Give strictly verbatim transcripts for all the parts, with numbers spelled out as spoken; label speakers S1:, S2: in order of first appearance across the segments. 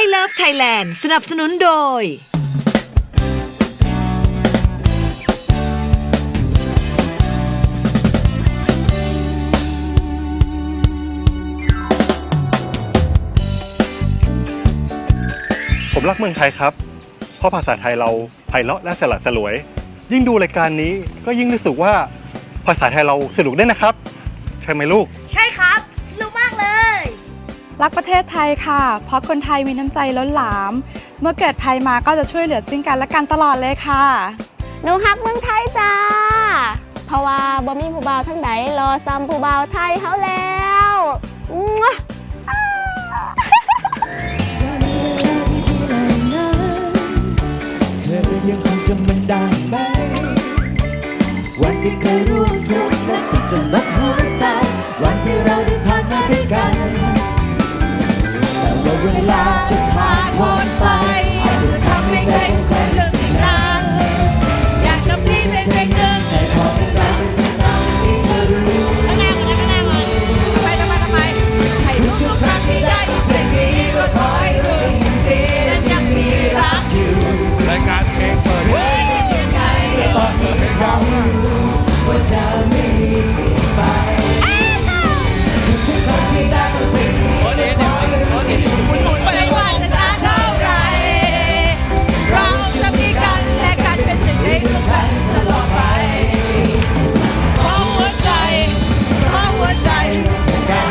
S1: Love Thailand สนับสนุนโดย
S2: ผมรักเมืองไทยครับเพราะภาษาไทยเราไพเราะและสลัดสลวยยิ่งดูรายการนี้ก็ยิ่งรู้สึกว่าภาษาไทยเราสนุกได้นะครับใช่ไหมลูก
S3: ใช่ครับสนุกมากเลย
S4: รักประเทศไทยค่ะเพราะคนไทยมีน้ำใจล้นหลามเมื่อเกิดภัยมาก็จะช่วยเหลือซึ่งกันและกันตลอดเลยค่ะ
S5: หนูฮักเมืองไทยจ้าเพราะว่าบ่มีผู้บ่าวทั้งใดรอซ้ำผู้บ่าวไทยเขาแล้ว
S6: เธอยังคงจำมันได้ไหมวันที่เคยร่วมทุกข์และสุขจนลดหัวใจวันที่เราได้ผ่านมาด้วยกันแต่ว่าเวลาจะผ่านพ้นไปอาจจะทำให้ใจของใครเลือกสิ่งนั้นอยากจะพลีเป็นเพลงหนึ่งแต่ขอเป็นเราเป็นเราที่เธอรู้ข้างหน้าก่อนนะข้างหน้าก่อนทำไมทำไมทำไมให้ทุกทุกครั้งที่ได้ยินเพลงนี้ก็ขอให้รู้ดีนั้นยังมีรักอยู่รายการเพลงเปิดตอนนี้เราว่าจะไม่มีเปลี่ยนไปทุกทุกคนที่ได้ก็เป็นคนเดียวไม่ว่าจะนานเท่าไรเราจะมีกันและกันเป็นหนึ่งในดวงใจตลอดไปเพราะหัวใจเพราะหัวใจกัน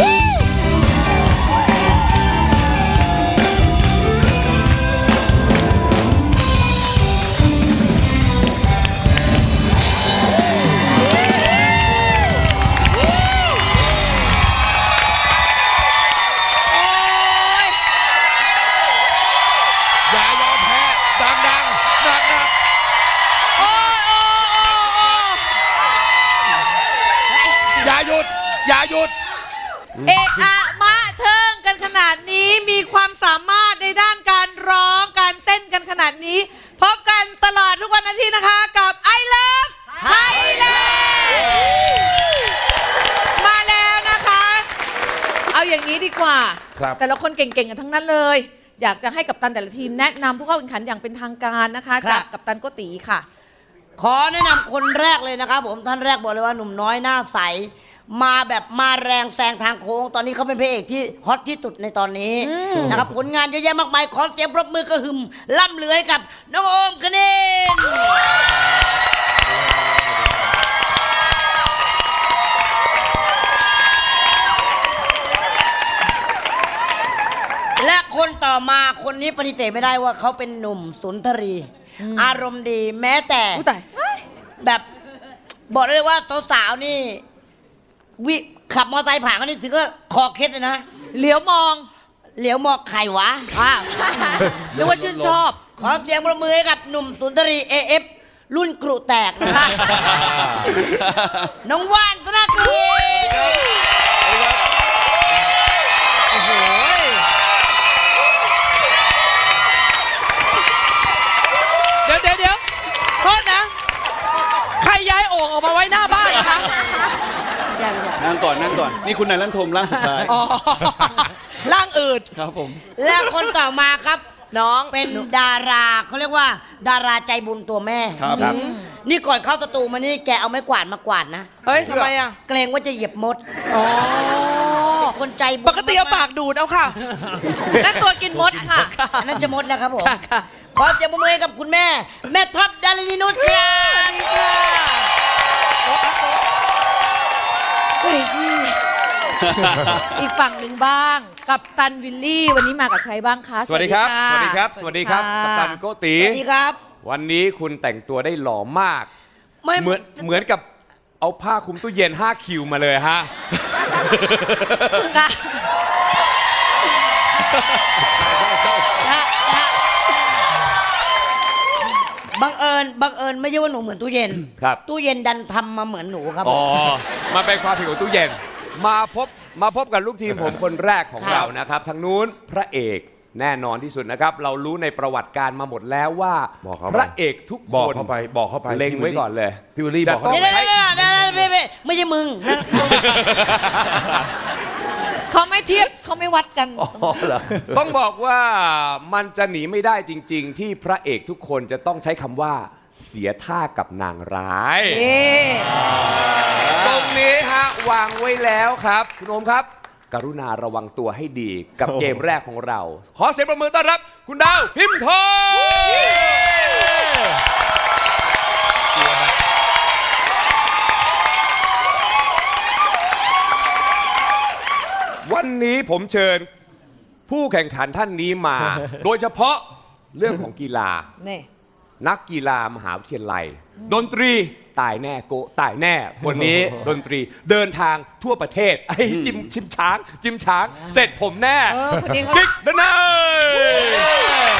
S7: อย่าหยุดเอะอะมาเทิงกันขนาดนี้มีความสามารถในด้านการร้องการเต้นกันขนาดนี้พบกันตลอดทุกวันอาทิตย์นะคะกับ I Love Thailand มาแล้วนะคะเอาอย่างนี้ดีกว่าแต่ละคนเก่งๆกันทั้งนั้นเลยอยากจะให้กัปตันแต่ละทีมแนะนำผู้เข้าแข่งขันอย่างเป็นทางการนะคะจากกัปตันโกติค่ะ
S8: ขอแนะนำคนแรกเลยนะครับผมท่านแรกบอกเลยว่าหนุ่มน้อยหน้าใสมาแบบมาแรงแซงทางโค้งตอนนี้เขาเป็นพระเอกที่ฮอตที่สุดในตอนนี้นะครับผลงานเยอะแยะมากมายขอเสียงปรบมือกระหึ่มล่ำเลือให้กับน้องโอมคณินและคนต่อมาคนนี้ปฏิเสธไม่ได้ว่าเขาเป็นหนุ่มสุนทรีอารมณ์ดีแม้แต่แบบบอกเลยว่าสาวๆนี่วิขับมอเตอร์ไซค์ผ่านเขานี่ถึงก็คอเคล็ดเลยนะ
S7: เหลียวมอง
S8: เหลียวมองใครวะอ้าว
S7: หรือว่าชื่นชอบ
S8: ขอเสียงปรบมือให้กับหนุ่มสุนทรี เอ เอฟ รุ่นกรุแตกนะคะน้องว่านธนกฤษ
S7: โอ้โหเดี๋ยวเดี๋ยวเดี๋ยวโทษนะใครย้ายโอ่งออกมาไว้หน้าบ้านคะ
S9: นั่งก่อนนั่งก่อนนี่คุณนายลั่นทมร่างสุดท้าย
S7: ร่างอืด
S9: ครับผม
S8: และคนต่อมาครับ
S7: น้อง
S8: เป็นดาราเขาเรียกว่าดาราใจบุญตัวแม่
S9: ครับ
S8: นี่ก่อนเข้าสตูมานี่แกเอาไม้กวาดมากวาดนะ
S7: เฮ้ยทำไมอ่ะ
S8: เกรงว่าจะเหยียบมด
S7: อ๋อ
S8: คนใจบุญ
S7: ปกติเอาปากดูดเอาค่ะนั่นตัวกินมดค่ะ
S8: นั่นจะมดแล้วครับผมขอเสียงปรบมือให้กับคุณแม่แม่ท็อปดารินีนุชค่ะ
S7: อีกฝั่งหนึ่งบ้างกัปตันวิลลี่วันนี้มากับใครบ้างคะ
S9: สวัสดีครับสวัสดีครับสวัสดีครับกัปตันโกติ
S8: สวัสดีครับ
S9: วันนี้คุณแต่งตัวได้หล่อมากเหมือนเหมือนกับเอาผ้าคลุมตู้เย็นห้าคิวมาเลยฮะ
S8: บังเอิญบังเอิญไม่ใช่ว่าหนูเหมือนตู้เย็น
S9: ครับ
S8: ตู้เย็นดันทำมาเหมือนหนูครับ
S9: อ๋อมาเป็นความผิดของตู้เย็นมาพบมาพบกับลูกทีมผมคนแรกของเรานะครับทางนู้นพระเอกแน่นอนที่สุดนะครับเรารู้ในประวัติการมาหมดแล้วว่าพระเอกทุกคน
S2: บอกเข้าไปบอกเข้าไป
S9: เล็งไว้ก่อนเลย
S2: พี่วิลลี่บอกเขา
S8: ไม่ใช่ไม่ใช่ไม่ใช่ไม่ใช่มึง
S7: เขาไม่เทียบเขาไม่วัดกัน
S10: อ๋อเหรอ
S9: ต้องบอกว่ามันจะหนีไม่ได้จริง ๆ ที่พระเอกทุกคนจะต้องใช้คำว่าเสียท่ากับนางร้าย
S7: เอ๊ะ
S9: ตรงนี้ฮะวางไว้แล้วครับคุณโอมครับ กรุณาระวังตัวให้ดีกับเกมแรกของเรา ขอเสียงประมือต้อนรับ คุณดาวพิมพ์ทองวันนี้ผมเชิญผู้แข่งขันท่านนี้มา โดยเฉพาะเรื่องของกีฬา
S7: นี่
S9: นักกีฬามหาวิทยาลัย ดนตรีตายแน่โกตายแน่คนนี้ ดนตรีเดินทางทั่วประเทศไอ้จิมชิมช้าง จิมช้าง เสร็จผมแน่
S7: เออคนนี้เขา
S9: กิ๊กดนาย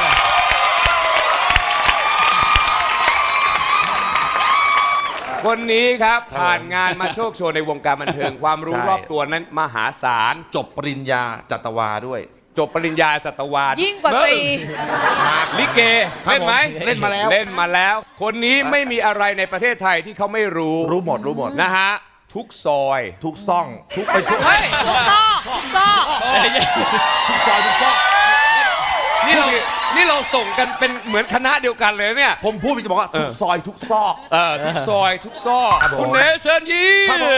S9: คนนี้ครับ ผ่านงานมาโชคโชว์ในวงการบันเทิง ความรู้
S10: ใช่
S9: รอบตัวนั้นมหาศาล
S10: จบปริญญาจัตวาด้วย
S9: จบปริญญาจัตวาล
S7: ยิ่งกว่าตรี
S9: ลิเก
S10: ครับ
S9: เล่นไหม
S10: ผมเล่นมาแล้ว
S9: เล่นมาแล้ว คนนี้ไม่มีอะไรในประเทศไทยที่เขาไม่รู้
S10: รู้หมดรู้หมด
S9: นะฮะ ทุกซอย
S10: ทุกซ่อง ทุกไปทุก
S7: เฮ้ยทุกซอกทุกซอก
S10: ทุกซอยทุกซอก
S9: นี่เรานี่เราส่งกันเป็นเหมือนคณะเดียวกันเลยเนี่ย
S10: ผมพูดจะบอกว่า
S9: เออ
S10: ทุกซอยทุกซอก
S9: เออทุกซอยทุกซอก
S10: ครับผม
S9: คุณเนเชิญยิ้
S10: ครับผม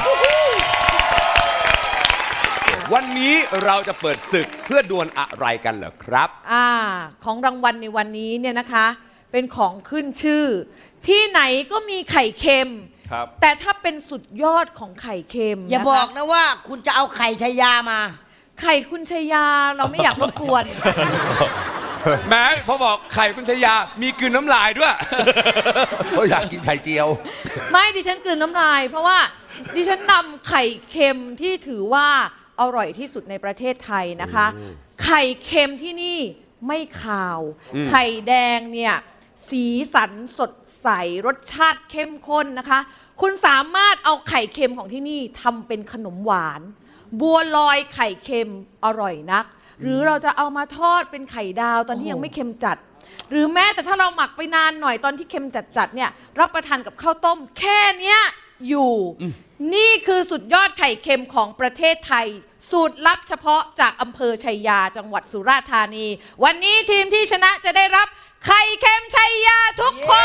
S9: มวันนี้เราจะเปิดศึกเพื่อดวลอะไรกันเหรอครับ
S7: อ่าของรางวัลในวันนี้เนี่ยนะคะ เป็นของขึ้นชื่อ ที่ไหนก็มีไข่เค็ม
S9: ครับ
S7: แต่ถ้าเป็นสุดยอดของไข่เค็ม
S8: อย่า
S7: นะคะ
S8: บอกนะว่าคุณจะเอาไข่ชายามา
S7: ไข่คุณชยาเราไม่อยากรบกวน
S9: แม้พอบอกไข่คุณชยา มีกลืนน้ำลายด้วย
S10: เขาอยากกินไข่เจียว
S7: ไม่ดิฉันกลืนน้ำลาย เพราะว่าดิฉันนำไข่เค็มที่ถือว่าอร่อยที่สุดในประเทศไทยนะคะ ไข่เค็มที่นี่ไม่คาว
S9: อืม
S7: ไข่แดงเนี่ยสีสันสดใสรสชาติเข้มข้นนะคะ คุณสามารถเอาไข่เค็มของที่นี่ทำเป็นขนมหวาน บัวลอยไข่เค็มอร่อยนัก หรือเราจะเอามาทอดเป็นไข่ดาวตอนที่ยังไม่เค็มจัด หรือแม้แต่ถ้าเราหมักไปนานหน่อยตอนที่เค็มจัดๆเนี่ยรับประทานกับข้าวต้ม แค่เนี้ยอยู่ นี่คือสุดยอดไข่เค็มของประเทศไทย สูตรลับเฉพาะจากอำเภอชัยยาจังหวัดสุราษฎร์ธานี วันนี้ทีมที่ชนะจะได้รับไข่เค็มชัยยาทุกคน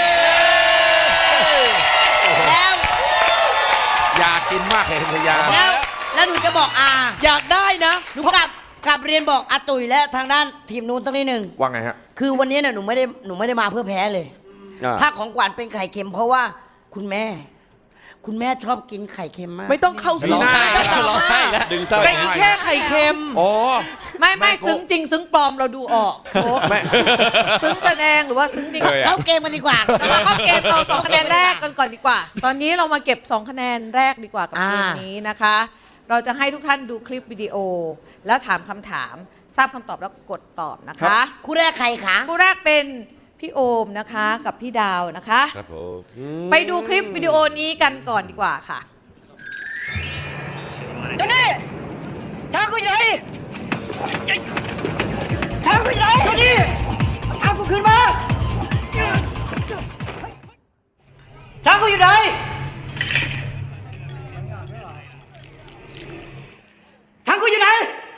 S8: แล้ว
S10: อยากกินมากเลยพยา
S8: แล้วแล้วหนูจะบอกอา
S7: อยากได้นะ
S8: หนูกลับกลับเรียนบอกอาตุ๋ยและทางด้านทีมนู้นสักนิดหนึ่ง
S10: ว่าไงฮะ
S8: คือวันนี้เนี่ยหนูไม่ได้หนูไม่ได้มาเพื่อแพ้เลย
S9: อ่า
S8: ถ้าของขวัญเป็นไข่เค็มเพราะว่าคุณแม่ คุณแม่ชอบกินไข่เค็มมาก
S7: ไม่ต้องเข้า
S10: ร้องไห้แล้วร้องไห้แล้ว
S9: ดึงเศร้า
S7: เป็นอีกแค่ไข่เค็ม
S10: โอ้
S7: ไม่ไม่
S10: ไม่โก
S7: ซึ้งจริงซึ้งปลอมเราดูออกโอ้
S10: แม่
S7: ซึ้งแสดงหรือว่าซึ้งจริง
S9: เออ
S8: เข้าเกมกันดีกว่า
S7: เรามาเข้าเกมเราสองคะแนนแรกกันก่อนดีกว่า ตอนนี้เรามาเก็บสองคะแนนแรกดีกว่ากับเกม
S8: อ่า
S7: นี้นะคะ เราจะให้ทุกท่านดูคลิปวิดีโอ แล้วถามคำถาม ทราบคำตอบแล้วกดตอบนะคะ
S8: คู่แรกใครคะ
S7: คู่แรกเป็นพี่โอมนะคะกับพี่ดาวนะคะ
S10: ครับผม
S7: ไปดูคลิปวิดีโอนี้กันก่อนดีกว่าค่ะ
S8: เจ้านี่ช้างกูอยู่ไหนช้างกูอยู่ไหนเจ้านี่ช้างกูขึ้นมาช้างกูอยู่ไหนช้างกูอยู่ไหน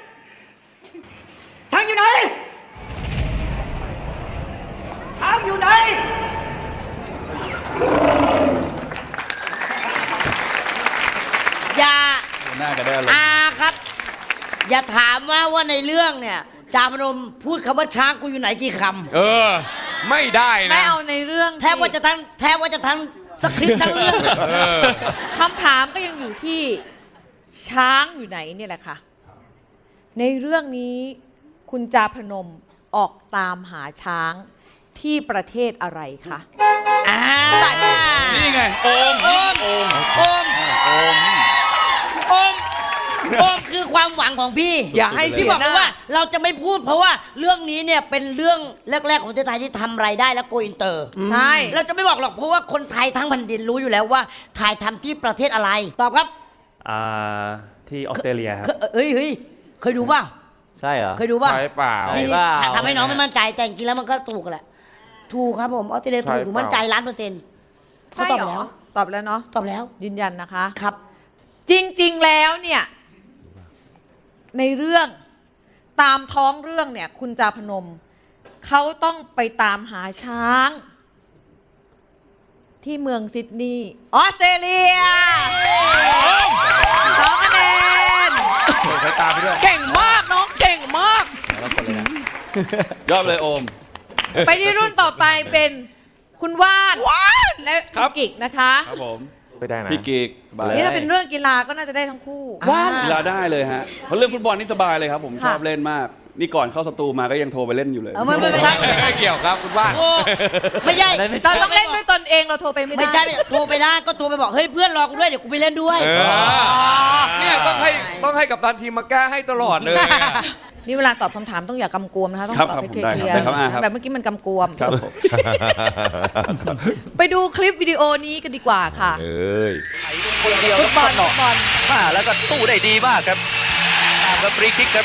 S8: ช้างอยู่ไหนช้างอยู่ไหนอย่า อาครับ อย่าถามว่าว่าในเรื่องเนี่ยจาพนมพูดคำว่าช้างกูอยู่ไหนกี่ค
S9: เออ ไม่ได้นะ
S7: ไม่เอาในเรื่อง
S8: ำแทบว่าจะทั้งแทบว่าจะทั้งสคริปต์ทั้งเรื่อง
S9: เออ
S7: คำถามก็ยังอยู่ที่ช้างอยู่ไหนเนี่ยแหละค่ะ ในเรื่องนี้คุณจาพนมออกตามหาช้างที่ประเทศอะไรคะ
S8: อ่า
S9: นี่ไง โอม
S8: โอมโอมโอมโอมโอมคือความหวังของพี่
S7: อย่าให้
S8: พี่
S7: เสีย
S8: บอก
S7: หน้า
S8: เลยว่าเราจะไม่พูดเพราะว่าเรื่องนี้เนี่ยเป็นเรื่องแรก ๆ ของประเทศไทยที่ทำรายได้และโกอินเตอร์
S7: ใช่
S8: เราจะไม่บอกหรอกเพราะว่าคนไทยทั้งแผ่นดินรู้อยู่แล้วว่าถ่ายทำที่ประเทศอะไร ตอบครับ
S11: อ่าที่ออสเตรเลียครับ
S8: เคเอ้ยเฮ้ยเคยดูเปล่า
S11: ใช่เหรอ
S8: เคยดูเปล่า
S10: ใช่เปล่า
S8: นี่
S11: เปล่า
S8: ทำให้น้องไม่มั่นใจแต่จริงๆแล้วมันก็ถูกแหละ ถูกครับผมออสเตรเลียถูก
S10: ใช่
S8: หนู
S10: เปล่า
S8: มั่นใจล้านเปอร์เซ็นต์เขาตอบแล้ว
S7: ตอบแล้วเนาะ
S8: ตอบแล้ว
S7: ยืนยันนะคะ
S8: ครับ
S7: จริงๆแล้วเนี่ยในเรื่องตามท้องเรื่องเนี่ยคุณจาพนมเขาต้องไปตามหาช้าง ที่เมืองซิดนีย์ออสเตรเลียสองคะแนน
S10: ใช้ตาไปด้วย
S7: เก่งมากน้องเก่งมาก
S11: ยอดเลยโอม
S7: ไปที่รุ่นต่อไปเป็นคุณว่านและคุณกิกนะคะ
S11: ครับผม
S10: ไม่ได้นะ
S11: พี่กิกสบาย
S7: นี่ถ้าเป็นเรื่องกีฬาก็น่าจะได้ทั้งคู่
S8: ว่าน
S11: กีฬาได้เลยฮะเพราะเรื่องฟุตบอลนี่สบายเลยครับผม
S7: ค่ะ
S11: ชอบเล่นมาก นี่ก่อนเข้าสตูมาก็ยังโทรไปเล่นอยู่เลย
S8: เออไม่ไม่ไม่ใช่
S9: ไม่เกี่ยวครับคุณว่าน
S8: โอ้ไม่ใช่
S7: เราต้องเล่นด้วยตนเองเราโทรไปไม่ได้
S8: ไม่ใช่โทรไปได้ก็โทรไปบอกเฮ้ยเพื่อนรอกูด้วยเดี๋ยวกูไปเล่นด้วย
S9: เออเนี่ยต้องให้ต้องให้กับตันทีมมาแก้ให้ตลอดเลยอะ
S7: นี่เวลาตอบคำถามต้องอย่ากำกวมนะคะต้อง
S11: ครับ
S7: ตอบ
S11: ครับ
S7: ให้
S11: ผม
S7: เคลี
S11: ได้
S7: ย
S11: ครับ
S7: ร์
S11: ได้ครับอ่าครับ
S7: แบบเมื่อกี้มันกำกวม
S11: ครับผม
S7: ไปดูคลิปวิดีโอนี้กันดีกว่าค่ะ
S10: เอ้ย
S7: ฟุตบอลฟุตบอล
S12: มาแล้วก็ตู้ได้ดีมากครับตามกับฟรีคิกครับ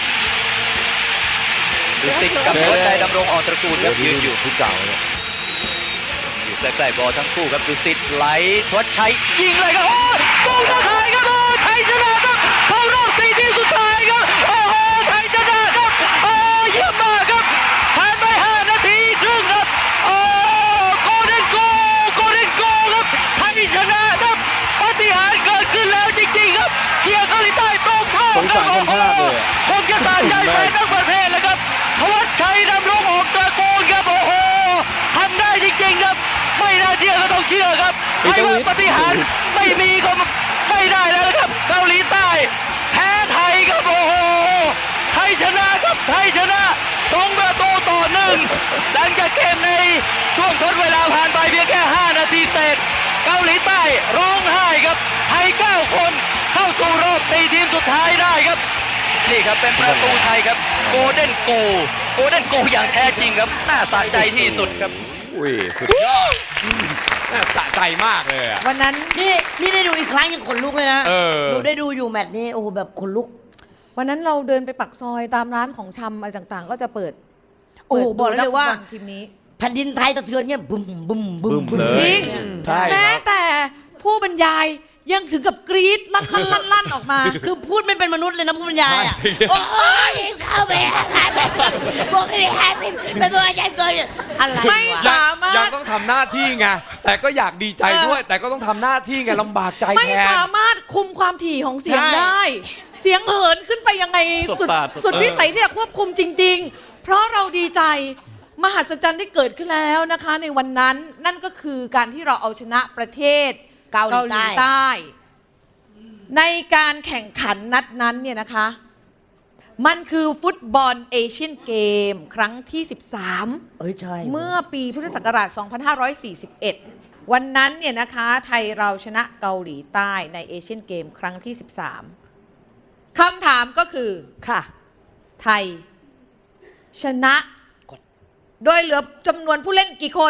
S12: ดูสิกับหัวใจดำรงออกตระกูลครับยืนอยู่
S10: ทุกเก่าเนี่ย
S12: อยู่ใกล้ๆบอลทั้งคู่ครับดูสิไหลทวัชชัยยิงเลยครับโอ้ยโกลไทยครับโอ้ไทยชนะครับเข้ารอบสี่ทีมสุดท้ายครับโอ้โหไทยชนะครับโอ้เยี่ยมมากครับผ่านไปห้านาทีครึ่งครับโอ้โกลเด้นโกโกลเด้นโกครับไทยชนะครับปาฏิหาริย์เกิดขึ้นแล้วจริงๆครับเกียร์เกาหลีใต้ตรงพลาด
S11: สงสารคนพลาดเลยอะ
S12: คงจะตาใจแฟนทั้งประเทศแล้วครับทวัชชัยดำรงออกตระกูลครับโอ้โหทำได้จริงๆครับไม่น่าเชื่อก็ต้องเชื่อครับใครว่าปฏิหารย์ไม่มีก็ไม่ได้แล้วนะครับเกาหลีใต้แพ้ไทยครับโอ้โหไทยชนะครับไทยชนะสองประตูต่อหนึ่งหลังจากเกมในช่วงทดเวลาผ่านไปเพียงแค่ห้านาทีเศษเกาหลีใต้ร้องไห้ครับไทยเก้าคนเข้าสู่รอบสี่ทีมสุดท้ายได้ครับนี่ครับเป็นประตูชัยครับโกลเด้นโกโกลเด้นโกอย่างแท้จริงครับน่าสะใจที่สุดครับ
S9: อุ้ยสุดยอดน่าสะใจมากเลยอะ
S7: วันนั้น
S8: นี่นี่ได้ดูอีกครั้งยังขนลุกเลยนะ
S9: เออ
S8: ดูได้ดูอยู่แมตช์นี้โอ้โหแบบขนลุก
S7: วันนั้นเราเดินไปปักซอยตามร้านของชำอะไรต่างๆ ก็จะเปิด
S8: โอ้โห
S7: ปิด
S8: บอกเลยว่า
S7: นัฟุตบอทีมนี้
S8: แผ่นดินไทยสะเทือนเงี้ยบึ้มบึ้มบึ้มบึ้ม
S7: จริง
S11: ใช่ครับ
S7: แม้แต่ผู้บรรยายยังถึงกับกรี๊ดลั่นลั่นลั่นลั่นออกมา
S8: คือพูดไม่เป็นมนุษย์เลยนะผู้บรรยายอ่ะ
S9: ใช่
S8: โอ้ยเข้าไปบอกให้ให้ไปไปบอกอาจารย์ตัวอะไร
S7: ไม่
S8: วะ
S7: สามารถ
S9: ยังต้องทำหน้าที่ไง แต่ก็อยากดีใจด้วย แต่ก็ต้องทำหน้าที่ไงลำบากใจ
S7: ไม่
S9: แทน
S7: สามารถคุมความถี่ของเสียง
S8: ใช่
S7: ได้ เสียงเหินขึ้นไปยังไง
S11: สุด
S7: สุด
S11: ปาดสุด
S7: สุดวิสัยที่จะควบคุมจริง ๆ เพราะเราดีใจมหัศจรรย์ได้เกิดขึ้นแล้วนะคะ ในวันนั้นนั่นก็คือการที่เราเอาชนะประเทศ
S8: เกาหลีใต้
S7: ใต้ ในการแข่งขันนัดนั้นเนี่ยนะคะ มันคือฟุตบอลเอเชียนเกมครั้งที่ สิบสาม
S8: เอ้ยใช่
S7: เมื่อปีพุทธศักราช สองพันห้าร้อยสี่สิบเอ็ด วันนั้นเนี่ยนะคะ ไทยเราชนะเกาหลีใต้ในเอเชียนเกมครั้งที่ สิบสาม คำถามก็คือ
S8: ค่ะ
S7: ไทย ชนะ โดยเหลือจำนวนผู้เล่นกี่คน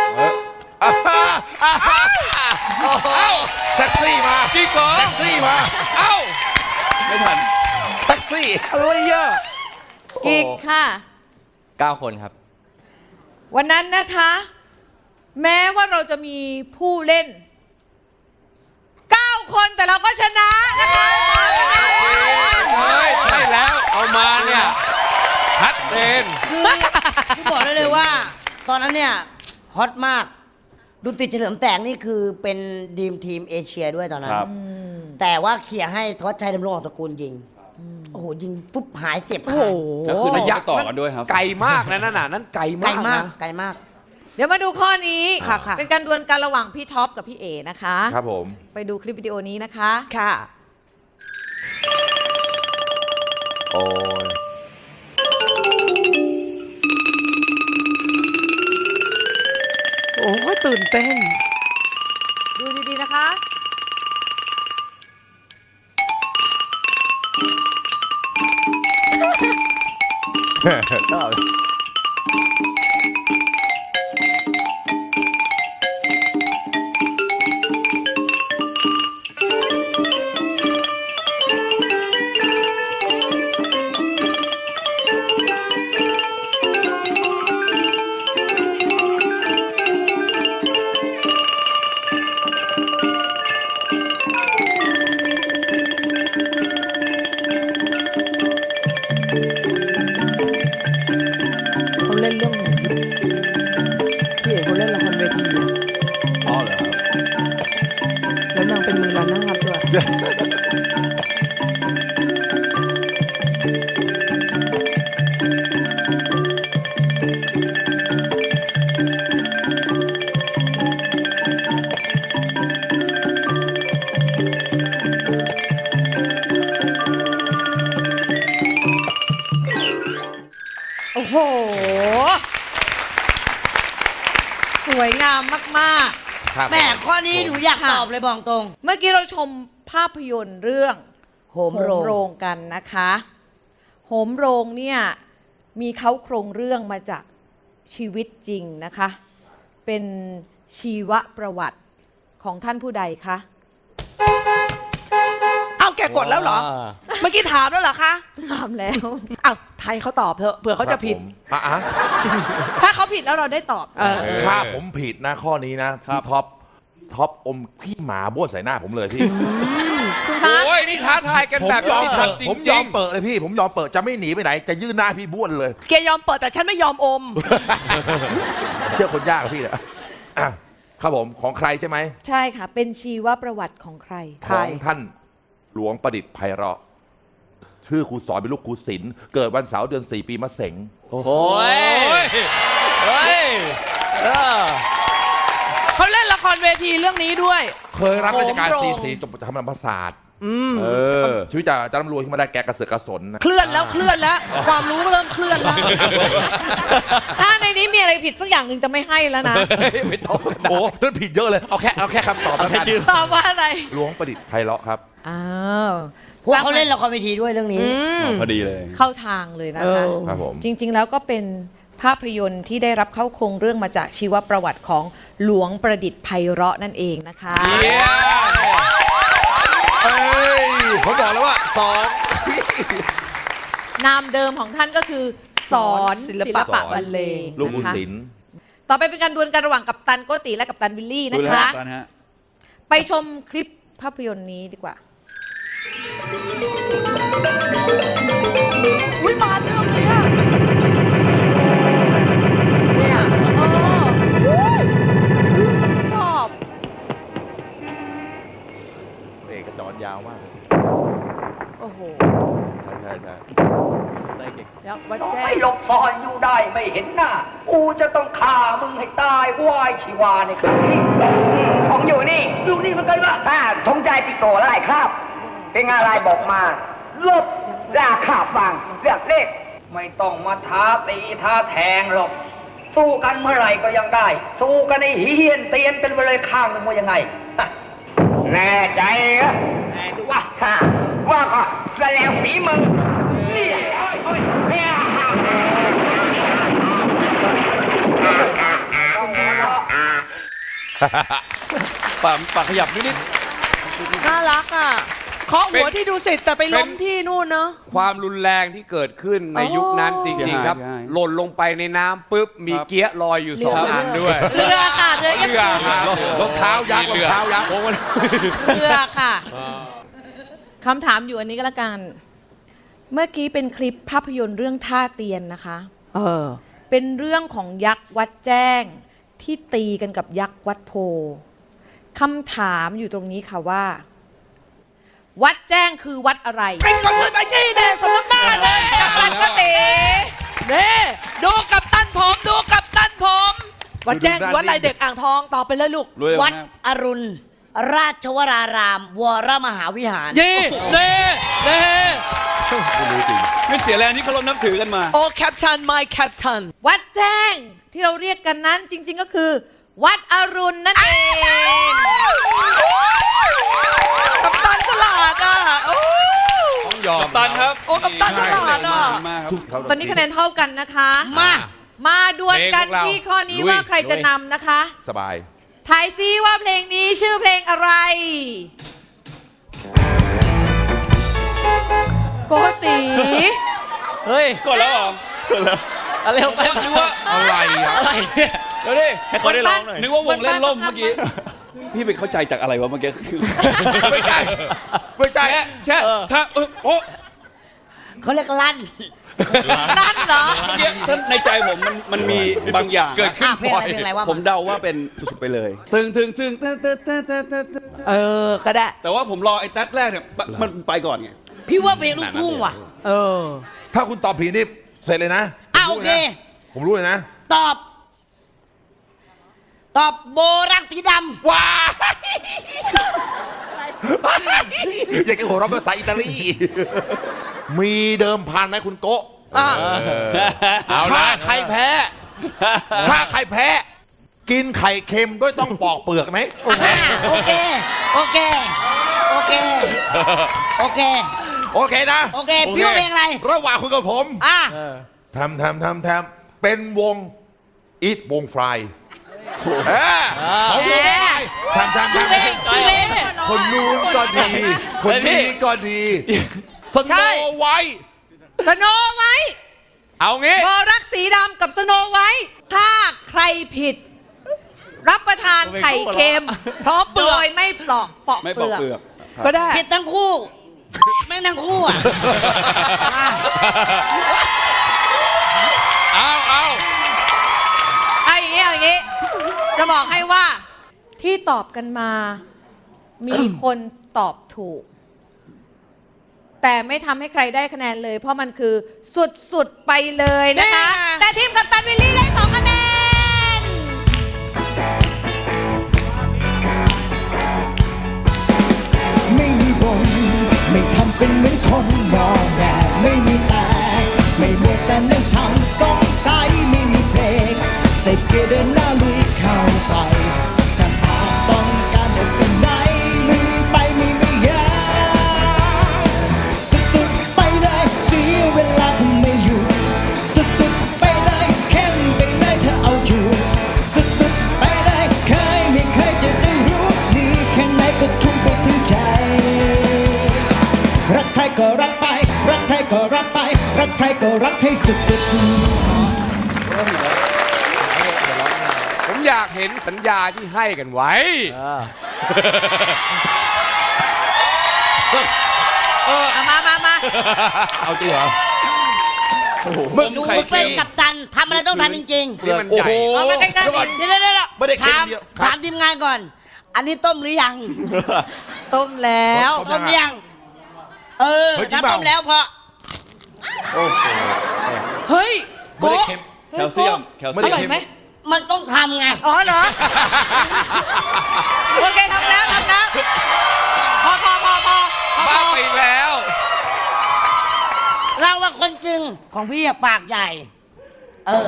S10: แท็กซี่มา
S9: กี่กอ
S10: แท็กซี่มา
S9: เอ้า
S11: ไม่ทัน
S10: แท็กซี่
S9: อะไรอ่ะ
S7: กี่ค่ะ
S11: เก้าคนครับ
S7: วันนั้นนะคะ แม้ว่าเราจะมีผู้เล่น เก้า คนแต่เราก็ชนะนะคะสามคะแนน
S9: เฮ้ยใช่แล้ว เอามาเนี่ยชัดเจน
S8: คือคือบอกได้เลยว่า ตอนนั้นเนี่ยฮอตมากดุติดเฉลิมแสงนี่คือเป็นดีมทีมเอเชียด้วยตอนนั้น
S11: ครับ
S8: แต่ว่าเขี่ยร์ให้ทวัชชัยดำรงออกตระกูลยิง โอ้โห ยิงปุ๊บหายเสียบ
S7: โอ้
S8: ขา
S7: โห
S8: ย
S11: แล้วคือระยะต่อกันด้วยครับ
S9: ไกลมากนะนั่นน่ะนั่นไกล
S8: ไกล
S9: มาก
S8: มาก
S9: นะ
S8: ไกลมาก
S7: เดี๋ยวมาดูข้อนี้
S8: ค่ะค่ะ
S7: เป็นการดวลกันระหว่างพี่ท็อปกับพี่เอนะคะ
S10: ครับผม
S7: ไปดูคลิปวิดีโอนี้นะคะ
S8: ค่ะ
S10: โอ้ย
S8: โอ้ยตื่นเต้น
S7: ดูดีๆนะคะ
S10: ชอบ
S7: โอ้โห สวยงามมาก
S8: แม่ข้อนี้หนูอยากตอบเลยบอกตรง
S7: ๆ เมื่อกี้เราชมภาพยนตร์เรื่อง
S8: โหมโรง
S7: โรงกันนะคะโหมโรงเนี่ยมีเขาโครงเรื่องมาจากชีวิตจริงนะคะ เป็นชีวประวัติของท่านผู้ใดคะ
S13: เอาแกกดแล้วเหรอ เมื่อกี้ถามแล้วเหรอคะ
S7: ถามแล้ว
S13: เอาไทยเขาตอบเถอะเผื่อเขาจะผิด
S10: อ่ะอ่ะ
S7: ถ้าเขาผิดแล้วเราได้ตอบ
S13: เออ
S10: ถ้าผมผิดนะข้อนี้นะพี่ท็อปท็อปอมขี้หมาบ้วนใส่หน้าผมเลยพี่
S7: คุณคะ
S9: โอ้ยนี่ท้าทายกัน
S10: ผม
S9: แบบ
S10: ยอม
S9: นี้
S10: เปิด
S9: ทำจริง
S10: ผมยอมเปิดเลยพี่ ผมยอมเปิดจะไม่หนีไปไหน จะยื่นหน้าพี่บ้วนเลย
S13: แกยอมเปิดแต่ฉันไม่ยอมอม
S10: เชื่อคนยากอะพี่เนี่ยอ่ะครับผมของใครใช่ไหม
S7: ใช่ค่ะ เป็นชีวประวัติของใคร
S10: ของท่านหลวงประดิษฐ์ไพเราะชื่อครูสอนเป็นลูกครูศิลป์เกิดวันเสาร์เดือนสี่ปีมะเสง
S11: โอ้โหเฮ้ยเออ
S13: เขาเล่นละครเวทีเรื่องนี้ด้วย
S10: เคยรับราชการ
S13: โหมโรง
S10: ซีซีจบธรรมศาสตร์
S13: อืม
S9: เออ
S10: ชีวิตจะจะร่ำรวยขึ้นมาได้แกกระเสือกกระสนนะ
S13: เคลื่อนแล้วเคลื่อนแล้ว ความรู้เริ่มเคลื่อนแล้ว
S7: ถ้าในนี้มีอะไรผิดสักอย่างหนึ่งจะไม่ให้แล้วนะ
S10: ไม่ต้องโอ้นั่นผิดเยอะเลย เอาแค่เอาแค่คำตอบแล้วกัน
S7: ตอบว่าอะไร
S10: หลวงประดิษฐ์ไพเราะครับ
S7: อ้าว
S8: พวกเขาเล่นละครเวทีด้วยเรื่องนี้
S11: พอดีเลย
S7: เข้าทางเลยนะคะ
S13: เออ
S10: ครับผม
S7: จริง ๆ แล้วก็เป็นภาพยนตร์ที่ได้รับเข้าโครงเรื่องมาจากชีวประวัติของหลวงประดิษฐ์ไพเราะนั่นเองนะคะ
S9: เยี่ยม
S10: เอ้ยผมบอกแล้วว่าสอง
S7: นามเดิมของท่านก็คือ สอนศิลปะบรรเลง
S10: ลูกบุญ
S7: นะคะ
S10: ศิลป์
S7: ต่อไปเป็นการดวลกันระหว่างกัปตันโกติและกัปตันวิลลี่นะคะ
S11: ตอนฮะ
S7: ไปชมคลิปภาพยนตร์นี้ดีกว่า
S13: อุ้ยมาเรื่องเลยอะเนี่ยเอออุ๊ยชอบ
S10: เอกจรยาวมากเลย
S13: โอ้โห
S10: ใช่ใช่ใช่
S11: ได้เก่ง
S13: แล้ววัดแจ้
S12: ไม่
S13: ง
S12: หลบซ่อนอยู่ได้ไม่เห็นหน้า กูจะต้องฆ่ามึงให้ตายวายชีวาในครั้งนี้ผมอยู่นี่ อยู่นี่เหมันกันวะอ่าทงใจติดโตไล่ครับ เป็นอะไรบอกมา ลบราขาฟังเลือกเลขไม่ต้องมาท้าตีท้าแทงหรอก สู้กันเมื่อไหร่ก็ยังได้ สู้กันในเฮียนเตียนเป็นไปเลยข้างหนึงว่ายังไงฮะแน่ใจเหรอแน่ดูว่าฮะว่าก็แสดงฝีมือนี่โอ้ยโอ้ยเนี่ย
S11: ปากปากขยับนิด
S13: น่ารักอ่ะเคาะหัวที่ดูสิแต่ไปล้มที่นู่นเนาะ
S9: ความรุนแรงที่เกิดขึ้นในยุคนั้นจริงๆครับ หล่นลงไปในน้ำปุ๊บ มีเกี้ยลอยอยู่สองอันด้วย
S7: เรือค่ะเรือยักษ์
S9: เรือครับ
S10: รองเท้ายักษ์รองเท้ายักษ์
S7: เรือค่ะคำถามอยู่อันนี้ก็แล้วกัน เมื่อกี้เป็นคลิปภาพยนตร์เรื่องท่าเตียนนะคะ
S13: เออ
S7: เป็นเรื่องของยักษ์วัดแจ้งที่ตีกันกับยักษ์วัดโพคำถามอยู่ตรงนี้ค่ะว่า วัดแจ้งคือวัดอะไร
S13: เป็นคนอื่นไปที่เด็สมน้ำหน้าเลย
S7: กัปตันก็เต๋
S13: เน่ดูกับตันผมดูกับตันผมวัดแจ้งวัดอะไรเด็กอ่างทองตอบไปเลยลูก
S11: ๆรวย
S8: วัด
S11: มาก
S8: อรุณ ราชวราราม วรมหาวิหาร
S13: เย่เน่เน่
S11: ไม่เสียแรงที่เคารพนับถือกันมา
S13: โอ้แคปชัน my แคปชัน
S7: วัดแจ้งที่เราเรียกกันนั้นจริง ๆก็คือ วัดอรุณนั่นเอง
S13: กับตันฉลาดอ่ะโอ้
S9: ต้องยอม
S11: ตันครับ
S13: โอ้กับตันฉลาดอ่ะ
S11: มากครับ
S7: ตอนนี้คะแนนเท่ากันนะคะ
S8: มา
S7: มาดวลกัน
S9: เพลงพวกเรา
S7: ที่ข้อนี้
S9: ลุย
S7: ว่าใครจะนำนะคะ
S10: สบาย
S7: ทายซิว่าเพลงนี้ชื่อเพลงอะไร โกติ
S11: เฮ้ยกดแล้วเหรอ กดแล้วอะไรไปนึกว่า
S10: อะไรอ่ะ
S11: อะไรเนี่ยเดี๋ยวดิให้เขาได้ร้องหน่อย นึกว่าวงเล่นล่มเมื่อกี้ พี่ไปเข้าใจจากอะไรวะเมื่อกี้คือ
S10: ไม่ใช่ไม่ใช่
S11: แช่แช่ถ้าเออโอ้
S8: เขาเรียกลั่น
S7: นั่นเหรอ
S11: เมื่อกี้ท่านในใจผมมันมันมีบางอย่าง
S9: เกิดขึ้น
S8: อ่ะเพลงอะไรเพลงอะไรวะ
S11: ผมเดาว่าเป็นสุดๆไปเลยตึงตึงตึงตึงตึงตึงตึงตึงตึง
S13: เออก็ได้
S11: แต่ว่าผมรอไอ้แท็กแรกเนี่ยมันไปก่อนไง
S8: พี่ว่าเพลงลูกทุ่งว่ะ
S13: เออ
S10: ถ้าคุณตอบผิดนี่เสร็จเลยนะ
S8: อ่ะโอเค
S10: ผมรู้เลยนะ
S8: ตอบ ตอบโบรักสีดำ
S10: ว้าอยากจะหัวเราะภาษาอิตาลี มีเดิมพันไหมคุณโกะ
S13: อ่ะ
S10: เอาถ้าใครแพ้ ถ้าใครแพ้ กินไข่เค็มด้วยต้องปอกเปลือกไหม
S8: อ่าโอเค โอเค โอเค โอเค
S10: โอเคนะ
S8: โอเค พี่ว่าเพลงอะไร
S10: ระหว่างคุณกับผม
S8: อ่ะ
S10: ทำทำทำทำเป็นวงอีทวงฟลายเออเขาวงฟลายทำทำ
S8: ชื่อ
S10: ทำ
S8: เพลงชื่อเพลง
S10: คนนู้นก็ดี คนนี้ก็ดีสโนไว้
S7: สโนไว้
S9: เอางี้
S7: บอรักสีดำกับสโนไว้ ถ้าใครผิด รับประทานไข่เค็มพร้อมเปลือกโดยไม่ปลอกปอก
S11: ไม่
S7: เป
S11: ปอก
S7: ลือก
S11: เปลือก
S13: ก็ได้
S8: ผิดทั้งคู่ ไม่ทั้งคู่อ่ะ
S9: เอาเอา
S7: เอาอย่างนี้เอาอย่างนี้ จะบอกให้ว่าที่ตอบกันมา มีคนตอบถูก แต่ไม่ทำให้ใครได้คะแนนเลย เพราะมันคือสุดๆไปเลยนะคะ แต่ทีมกัปตันวิลลี่ได้สองคะแนน
S6: ไม่มีบนไม่ทำเป็นเหมือนคนนอนแน่ไม่มีแต่ไม่มัวแต่นั่งทำสงสัยไม่มีเพลงใส่เกียร์เดินหน้าลุยเข้าไปถ้าหากต้องการจะสิ่งไหนลุยไปไม่ไม่ยากสุดๆไปเลยเสียเวลาทำไม่อยู่สุดๆไปเลยเข้มไปเลยเธอเอาอยู่สุดๆไปเลยเคยไม่เคยจะได้รู้ดีแค่ไหนก็ทุ่มไปถึงใจ รักใครก็รักไป รักใครก็รักไป รักใครก็รักให้สุดๆ
S9: ผมอยากเห็นสัญญาที่ให้กันไว้
S8: เออเอามามามา
S11: เอาจริงเหรอ
S8: มึงดูมึงเป็นกัปตันทำอะไรต้องทำจริง
S9: นี่มัน
S10: โอ้
S9: ใหญ่
S10: โห
S8: ๆเอามาใกล้ๆ
S10: เดี๋ยวก่อน
S8: เดี๋ยวเดี๋ยวเดี๋ยว
S10: ไม่ได้เค็ม
S8: ถาม
S10: เดียวครับ
S8: ถามทีมงานก่อน อันนี้ต้มหรือยัง
S7: ต้มแล้ว
S8: ต้มหรือยัง เออ
S10: เฮ้ยจริ
S8: ถ้าง
S10: เปล่า
S8: ต้มแล้วพอ
S11: โอ้โห
S7: เฮ้ย
S10: ไม่ได้เค็ม
S11: แคลเซียม แคล
S10: ไม่
S11: เซี
S10: ได้
S11: ยม
S10: เค็ม
S7: ไหม
S8: มันต้องทำไง
S7: อ๋อเหรอ โอเคทำแล้วทำแล้วพอพอพอพอพอ
S9: บ้าไปแล้ว
S8: เราว่าคนจริงของพี่อะปากใหญ่ เออ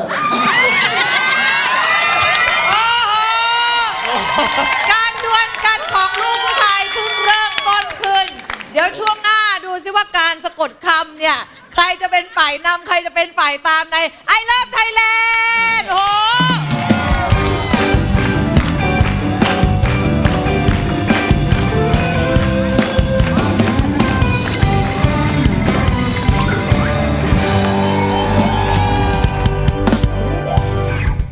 S7: โอ้โหการดวลกันของลูกผู้ชายเพิ่งเริ่มต้นขึ้น เดี๋ยวช่วงหน้าดูซิว่าการสะกดคำเนี่ย ใครจะเป็นฝ่ายนำใครจะเป็นฝ่ายตามใน I Love Thailand